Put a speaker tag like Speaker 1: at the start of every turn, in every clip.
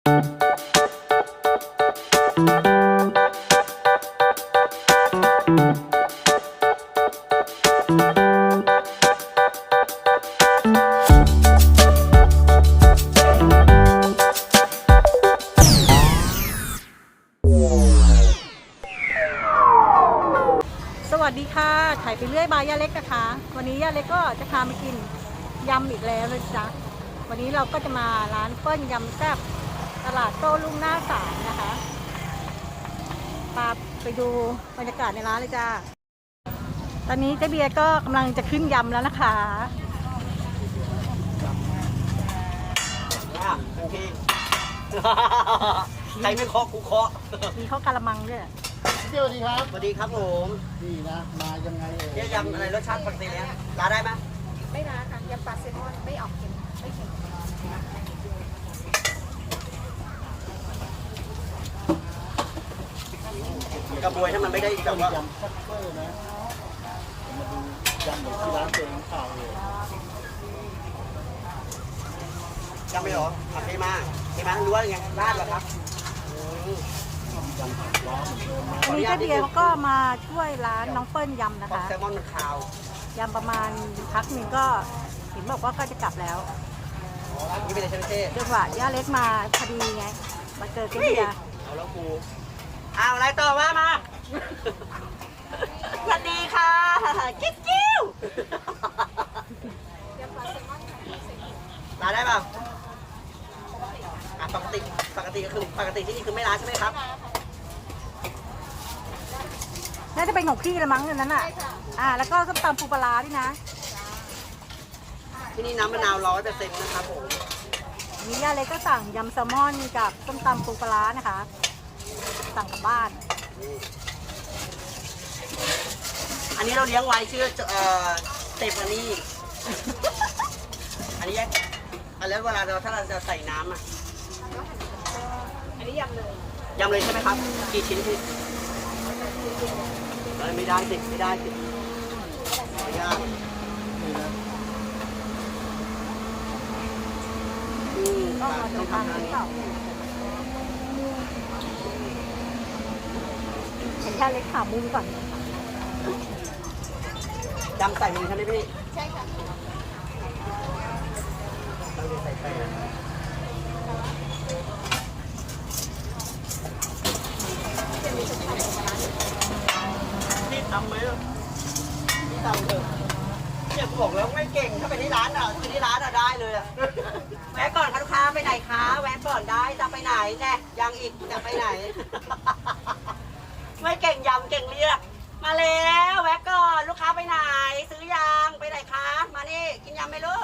Speaker 1: สวัสดีค่ะถ่ายไปเรื่อยบายย่าเล็กนะคะวันนี้ย่าเล็กก็จะพามากินยำอีกแล้วเลยจ้ะวันนี้เราก็จะมาร้านเปิ้ลยำแซ่บตลาดโต้รุ่งหน้าศาลนะคะพาไปดูบรรยากาศในร้านเลยจ้าตอนนี้เจ๊เบียร์ก็กำลังจะขึ้นยำแล้วนะคะ
Speaker 2: พี่ใครไม่เคาะกูเคาะ
Speaker 1: มีข้าวกะละมังด้วย
Speaker 3: สวัสดีครับ
Speaker 2: สวัสดีครับผม
Speaker 3: นี่นะมายังไง
Speaker 2: เนี่ยยำอะไรรสชาติปกติเนี่ยร้านได้ไหม
Speaker 1: ไม่ร้านค่ะยำปลาแซลมอนไม่ออกเค็มไม่เค็ม
Speaker 2: กระบวยถ้ามันไม่ได้แบบว่าย
Speaker 3: ำคัตเตอร์นะมาดูยำแบบที่ร้านเจงข่าวเลย
Speaker 2: ยำไม่หรอผัดเทมารู้ว่าไงราดเหรอครับ
Speaker 1: วันนี้เจ๊เบียร์เขาก็มาช่วยร้านน้องเปิ้ลยำนะคะ
Speaker 2: แซลมอนมันขาวย
Speaker 1: ำประมาณพักหนึ่งก็เห็นบอกว่าก็จะกลับแล้ว
Speaker 2: นี่เป็นอะไรเช่
Speaker 1: จังหวะย่าเล็กมาพอดีไงมาเจอเจ๊เบียร์
Speaker 2: เอาแล้วกูเอาอะไรต่อว่ามาสวัสดีค่ะกิ๊วร้านได้ป่ะปกติก็คือปกติที่นี่คือไม่ร้านใช่ไหมครับ
Speaker 1: น่าจะเป็นของพี่ละมั้งนั้นอ่ะแล้วก็ส้มตำปูปลาร้าด้วยนะ
Speaker 2: ที่นี่น้ำมะนาว100%นะครับผม
Speaker 1: มีย่าเล็กก็สั่งยำแซลมอนกับส้มตำปูปลาร้านะคะสั่งกลับบ้าน
Speaker 2: อันนี้เราเลี้ยงไว้ชื่อเตปอันนี้อันนี้แล้วเวลาถ้าเราจะใส่น้ำ
Speaker 1: อันนี้ยำเลย
Speaker 2: ใช่ไหมครับกี่ชิ้นพี่ไม่ได้สิไม่ได้
Speaker 1: ก็มาจะทานที่เก่าเห็นแค่เล็กขามุมก่อน
Speaker 2: ยำใส่มือใช่ไหมพี่
Speaker 1: ใช่ค่ะ
Speaker 2: ใส่แป้งพี่ทำไหมพี่ทำเถอะเนี่ยกูบอกแล้วไม่เก่งถ้าไปที่ร้านคือที่ร้านได้เลยแวะก่อนค่ะลูกค้าไปไหนคะแวะก่อนได้จะไปไหนแน่ยังอีกจะไปไหนไม่เก่งยำเก่งเรียกมาแล้วแวะก่อนลูกค้าไปไหนซื้อยังไปไหนคะมานี่กินยำไหมลูก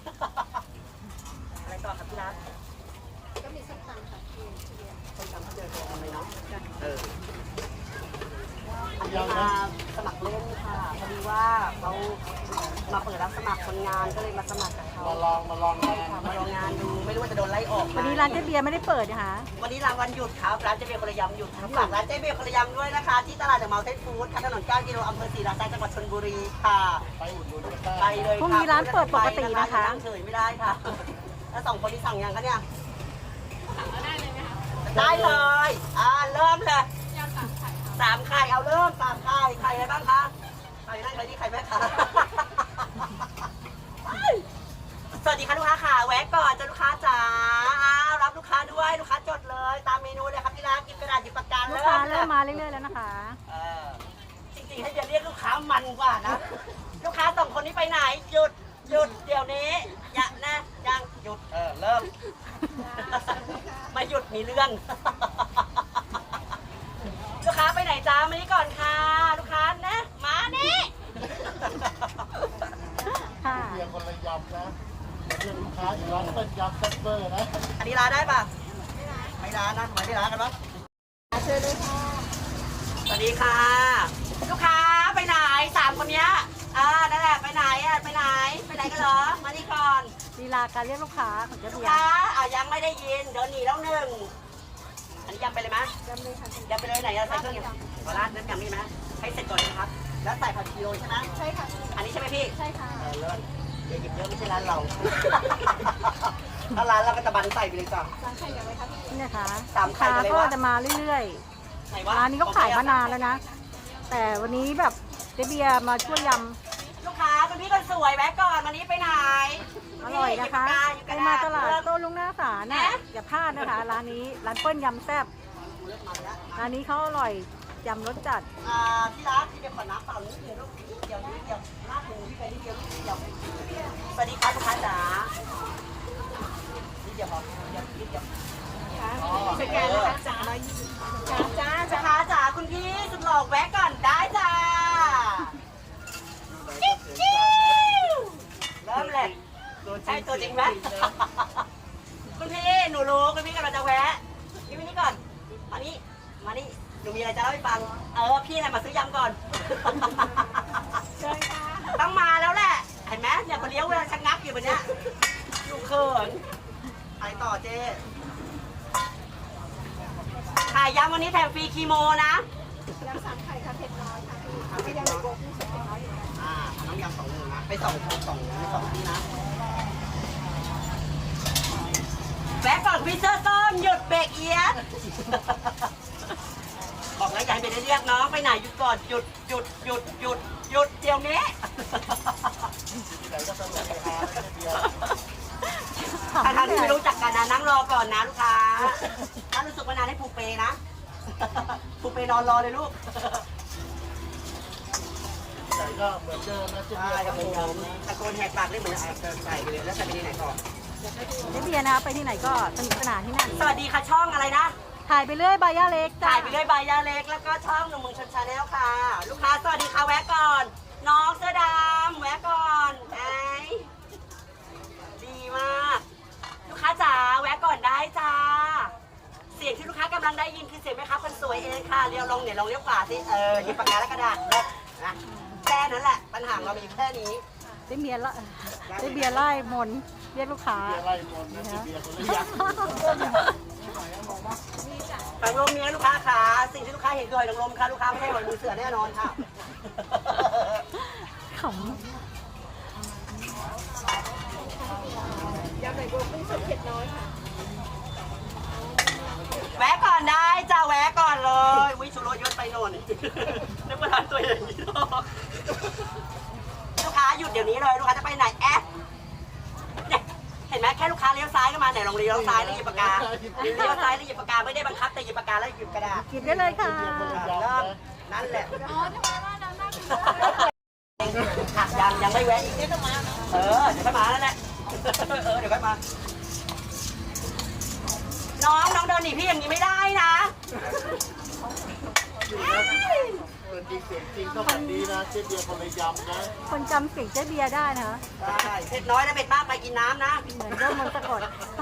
Speaker 2: อะไรต่อครับที่ร้าน
Speaker 1: ก็มีส้มตำค่ะ
Speaker 2: ส้มตำเขาเจอตัวอะไรเนาะอันนี้มาสมัครเล่นค่ะพอดีว่าเขามาเปิดรับสมัครคนงานก็เลยมาสมัครกับเขา
Speaker 3: มาลองงาน
Speaker 2: มาลองงานดูไม่รู้ว่าจะโดนไล่ออก
Speaker 1: วันนี้ร้านเจ๊เบียร์ไม่ได้เปิดนะคะ
Speaker 2: วันนี้วันหยุดครับร้านเจ๊เบียร์คนละยำหยุดฝากร้านเจ๊เบียร์คนละยำด้วยนะคะที่ตลาดเดอะเมาน์เทนฟู้ดถนน9 กิโลอำเภอศรีราชาจังหวัดชลบุรีค่ะ
Speaker 3: ไปอุดหนุนกัน
Speaker 2: ไปเลย
Speaker 1: พรุ่งนี้ร้านเปิดปกตินะคะ
Speaker 2: นั่งเฉยไม่ได้ค่ะแล้ว2 คนที่สั่งยังคะเนี่ยได้เลยไหมคะได้เลยเริ่มเลย3 ไข่เอาเริ่ม3 ไข่ไข่อะไรบ้างคะไข่นั่นไข่นี่ไข่แม่ค้าสวัสดีค่ะลูกค้าค่ะแวะก่อนจ้าลูกค้าจ๋ารับลูกค้าด้วยลูกค้าจดเลยตามเมนูเลยครับที่ร้านกินกระดาษหยิบปากกา
Speaker 1: ลูกค้าเริ่มมาเรื่อยๆแล้วนะคะ
Speaker 2: จริงๆให้จะเรียกลูกค้ามันกว่านะลูกค้า2 คนนี้ไปไหนหยุดเดี๋ยวนี้อย่านะยังหยุดเริ่มไม่หยุดมีเรื่องลูกค้าไปไหนจ้ามานี่ก่อนค่ะลูกค้านะมานี่
Speaker 3: เบียร์คนละยำนะเพื่อนลูกค้าอยู่ร้านเป็นยำคัตเตอร์นะ
Speaker 2: อันนี้ร้านได้ป่ะไม่ร้านนะไม่ได้ร้านกันปะ
Speaker 1: เชิญเลยค่ะ
Speaker 2: สวัสดีค่ะลูกค้าไปไหน3 คนเนี้ยนั่นแหละไปไหนกันเหรอมานี่ก่อน
Speaker 1: ลีลาการเรียกลูกค้าของเจ๊เบียร์
Speaker 2: ลูกค้ายังไม่ได้ยินเดินหนีแล้ว1อันนี้ยำไปเลยไหม
Speaker 1: ยำเลยค่ะ
Speaker 2: ยำไปเลยไหนใส่เครื่องยำขอราดน้ำยำนี่ไหมให้เสร็จก่อนนะครับแล้วใส่ผักชีโรยใช่ไหม
Speaker 1: ใช่ค่ะ
Speaker 2: อันนี้ใช่ไหมพี่
Speaker 1: ใช่ค่ะ
Speaker 2: เลิศอย่าหยิบเยอะไม่ใช่ร้านเราถ้าร้านเราก็จะบันใส่ไปเลยจ้ะ
Speaker 1: นี่นะคะ
Speaker 2: สาม
Speaker 1: ลูก
Speaker 2: ไข่
Speaker 1: ค้า
Speaker 2: ไปเลย
Speaker 1: ก็
Speaker 2: วะ
Speaker 1: จะมาเรื่อย
Speaker 2: ไหน
Speaker 1: ๆ
Speaker 2: วะ
Speaker 1: ร้านนี้ก็ขายมานานแล้วนะ แต่วันนี้แบบเจ๊เบียร์มาช่วยย
Speaker 2: ลูกค้าคุณพี่คนสวยแวะก่อนวันนี้ไปไหน
Speaker 1: ำอร่อยนะคะ
Speaker 2: หยิบ
Speaker 1: ไป
Speaker 2: ปากก
Speaker 1: มา
Speaker 2: หยิบก
Speaker 1: ต
Speaker 2: ระด
Speaker 1: ลาด
Speaker 2: ษ
Speaker 1: โต้ลุงหน้าศาลน่ะอย่าพลาดนะคะ ร้านนี้ร้านเปิ้ลยำแซ่บร้านนี้เขาอร่อยยำรสจัด
Speaker 2: ที่ร้านที่เดี๋ยวขอน้ำเปล่านิดเดียวลูกนิดเดียวลาดหมูพี่ไปนิดเดียวนิดเดียวสวัสดีครับลูกค้าจ๋านิดเดียวพอนิดเดียวสแกนนะคะจ๋าลูกค้าจ๋าคุณพี่สุดหล่อแวะก่อนได้จ้าเริ่มเลยใช่ตัวจริงไหมคุณพี่หนูรู้คุณพี่กำลังจะแวะพี่มานี่ก่อนมานี่หนูมีอะไรจะเล่าให้ฟังพี่น่ะมาซื้อยำก่อนต้องมาแล้วแหละเห็นไหมเนี่ยคนเลี้ยวเวลาชะงักอยู่แบบเนี้ยลูกเขินไปต่อเจ๊ขายยำวันนี้แถมฟรีคีโมนะยำ3 ไข่ค่ะเผ็ดน้อยค่ะพี่ยำในโกกุ้งสดเผ็ดน้อยน้ำยำ2 มือนะไป2 ที่นะแวะก่อนพิซซ่าส้มหยุดเบรกเอียดบอกแล้วอย่าให้ไปเรียกน้องไปไหนหยุดก่อนหยุดเดี๋ยวนี้ถ้าที่ไม่รู้จักกันนะนั่งรอก่อนนะลูกค้าถ้ารู้สึกว่านานให้ผูกเปนะผูกเปนอนรอเลยลูก
Speaker 3: ใส่ก็เหมือนเดิมนะเจ๊เบียร์
Speaker 2: ครับผมตะโกนแหกปากเรียกเหมือนใส่ไปเลยแล้วใส่ไปที่ไหนต่อ
Speaker 1: เจ๊เบียร์นะคะไปที่ไหนก็สนุกสนานที่นั่น
Speaker 2: สวัสดีค่ะช่องอะไรนะ
Speaker 1: ถ่ายไปเรื่อยบายาเล็กจ้า
Speaker 2: ถ่ายไปด้วยใบยาเล็กแล้วก็ช่องหนุ่มเมืองชนชาแนลค่ะ ลูกค้าสวัสดีค่ะแวะก่อน น้องเสื้อดำแวะก่อนไอ้ดีมาก ลูกค้าจ๋าแวะก่อนได้จ้า เสียงที่ลูกค้ากำลังได้ยินคือเสียงแม่ค้าคนสวยเองค่ะเลี้ยวลงเนี่ยลองเลี้ยวขวาสิหยิบปากกาและกระดาษแล้วนะแค่นั้นแหละปัญหาเรามีแค่นี้
Speaker 1: เจ๊เบียร์ไล่มนต์เรียกลูกค้า
Speaker 3: เบียร์ไล่มนต์นะเจ๊เบียร์คนละยักษ์
Speaker 2: หอยนางรมเนี่ยลูกค้าขาสิ่งที่ลูกค้าเห็นคือหอยนางรมค่ะลูกค้าไม่ใช่หอยมือเสือแน่นอนค่ะ
Speaker 1: ข
Speaker 2: แวะก่อนได้จ้าแวะก่อนเลยวิชุโรยศไปโน่นนึกว่าทานตัวอย่างนี้หรอกลูกค้าหยุดเดี๋ยวนี้เลยลูกค้าจะไปไหนเนี่ยเห็นไหมแค่ลูกค้าเลี้ยวซ้ายก็มาไหนลองเลี้ยวซ้ายแล้วหยิบปากกาเลี้ยวซ้ายแล้วหยิบปากกาไม่ได้บังคับแต่หยิบปากกาแล้วหยิบกระดาษ
Speaker 1: ำกินได้เลยค่ะ
Speaker 2: เริ่มนั่นแหละยังไม่แวะอีกเดี๋ยวก็มาเดี๋ยวก็มาแล้วแหละเดี๋ยวก็มาน้องเดินหนีพี่อย่างนี้ไม่ได้นะ
Speaker 3: เปิดจริงเสียงจริงต้องแบบนี้นะเจ๊เบียร์คนละยำนะ
Speaker 1: คนจำเสียงเจ๊เบียร์ได้นะคะ
Speaker 2: ได้เผ็ดน้อยแล้วเผ็ดมากไปกินน้ำนะ
Speaker 1: เหมือนเริ่มมันต์สะกด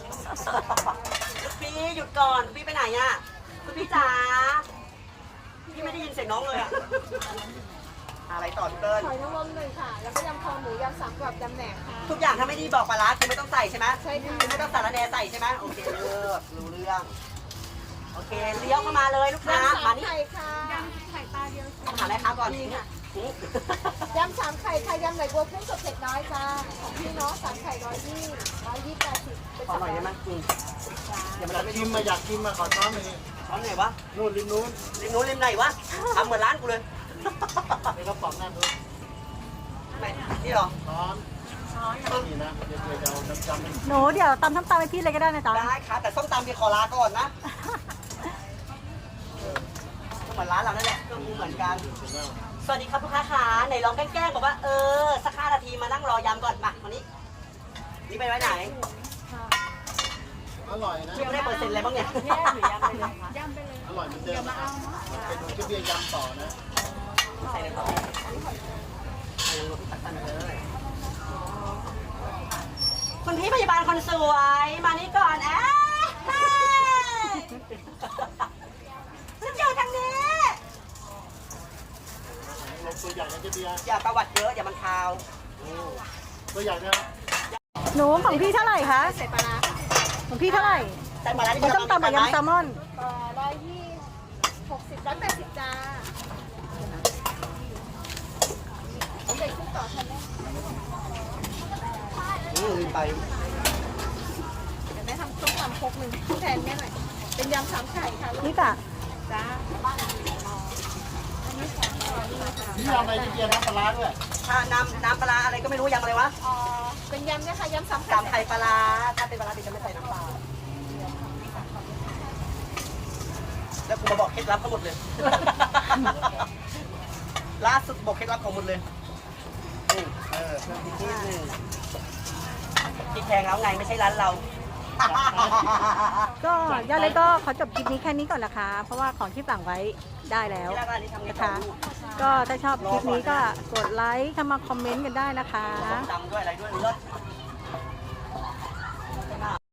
Speaker 2: พี่หยุดก่อนพี่ไปไหนอ่ะคุณพี่จ๋าพี่ไม่ได้ยินเสียงน้องเลยอ่ะอะไรต่อพี่เติ้ล
Speaker 4: หอยนางรม1 ค่ะ แล้วก็ยำคอหมูยำ3 กรอบยำแหนมค่ะ
Speaker 2: ทุกอย่างถ้าไม่ดีบอกปลาร้าคือไม่ต้องใส่ใช่ไหม
Speaker 4: ใช่ค่ะ
Speaker 2: คือไม่ต้องสารแหนใส่ใช่ไหมโอเคเลิกรู้เรื่องโอเคเลี้ยวเข้ามาเลยลูกค้าย
Speaker 4: ำ
Speaker 2: มา
Speaker 4: 3
Speaker 2: นี่
Speaker 4: ไข่ค่ะยำไข่ปลาเดียว
Speaker 2: ต้องหาแม่ค้าก่อน
Speaker 4: นี่ค่ะ
Speaker 2: หือย
Speaker 4: ำ3 ไข่ค่ะยำไหลบัวกุ้งสดเผ็ดน้อยค่ะของพี่เนาะ3 ไข่120 120 80เป็น
Speaker 2: ขอหน่อยได้ไหมเดี๋ยวมัน
Speaker 3: อยาก
Speaker 2: จะไม่
Speaker 3: กินมาอยากกินมาขอช้อนหน่อย
Speaker 2: ช้อนไหนวะ
Speaker 3: นู่นริมนู้น
Speaker 2: ริมนู้นริมไหนวะทำเหมือนร้านกูเลย
Speaker 3: ในกระป๋องนั่นนู้น
Speaker 2: ไหนนี่เหรอ
Speaker 3: ช้อนนี่นะเดี๋ยวจะเอาน้ำจำให้
Speaker 1: หนูเดี๋ยวตำน้ำตาลไปพี่เลยก็ได้นะจ๊ะ
Speaker 2: ได้ค่ะแต่ส้มตำพี่ขอลาก่อนนะเหมือนร้านเรานั่นแหละเครื่องปรุงเหมือนกัน สวัสดีครับลูกค้าขาไหนลองแกล้งๆบอกว่าสัก5 นาทีมานั่งรอยำก่อนมาวันนี้นี่ไปไว้ไหน
Speaker 3: อร่อยนะ
Speaker 2: พี่ไม่ได้เปอร์เซ็นต์อะไรบ้างเนี่ย
Speaker 4: แยกหรือยำไปเลยคะ
Speaker 3: อร่อยเหมือนเดิมนะไปดูเจ๊เบียร์ยำต่อนะ
Speaker 2: ใส่เลยต่อใส่ลงตักกันเลยคุณพี่พยาบาลคนสวยมานี่ก่อนฉันอยู่ทางนี้
Speaker 3: ลงตัวใหญ่นะเจ๊เบียร์
Speaker 2: อย่าประวัติเยอะอย่ามันคาว
Speaker 3: ตัวใหญ่นะ
Speaker 1: หนูของพี่เท่าไหร่คะ
Speaker 4: ใส่ปลาร้า
Speaker 1: ของพี่เท่าไหร่
Speaker 2: แต่มาแล้ว
Speaker 1: มันต้องตำกับยำแซลมอน
Speaker 4: 120 180จ้าเอาใส่คุกต่อทันไหม
Speaker 2: ไป
Speaker 4: ทำต้มยำครกหนึ่งแทนแม่หน่อยเป็นยำสามไข่ค่ะลูก
Speaker 1: นี่จ้ะ
Speaker 4: จ้าอันนี้ของเรานี่ค่ะ
Speaker 3: นี่ยำอะไรที่เกียร์น้ำปลาร้าด้วย
Speaker 2: ถ้าน้ำปลาร้าอะไรก็ไม่รู้ยำอะไรวะ
Speaker 4: เป็นยำเนี่ยค่ะยำสามไข่
Speaker 2: จำไข่ปลาร้าถ้าเป็นปลาร้าดิจะไม่ใส่น้ำปลาแล้วกูมาบอกเคล็ดลับทั้งหมดเลย ล่าสุดบอกเคล็ดลับของหมดเลยนี่เพิ่มพริกนิดนึงพริกแพงแล้วไงไม่ใช่ร้านเรา
Speaker 1: ก็ย่าเล็กก็ขอจบคลิปนี้แค่นี้ก่อนนะคะ เพราะว่าของที่สั่งไว้ได้แล้ว
Speaker 2: ที่ร้านนี้ทำไง
Speaker 1: นะ
Speaker 2: ต่อ
Speaker 1: คะ
Speaker 2: ลูก
Speaker 1: ก็ถ้าชอบคลิปนี้ก็กดไลค์เข้ามาคอมเมนต์กันได้นะคะ
Speaker 2: ส้มตำด้วยอะไรด้วยเลิศ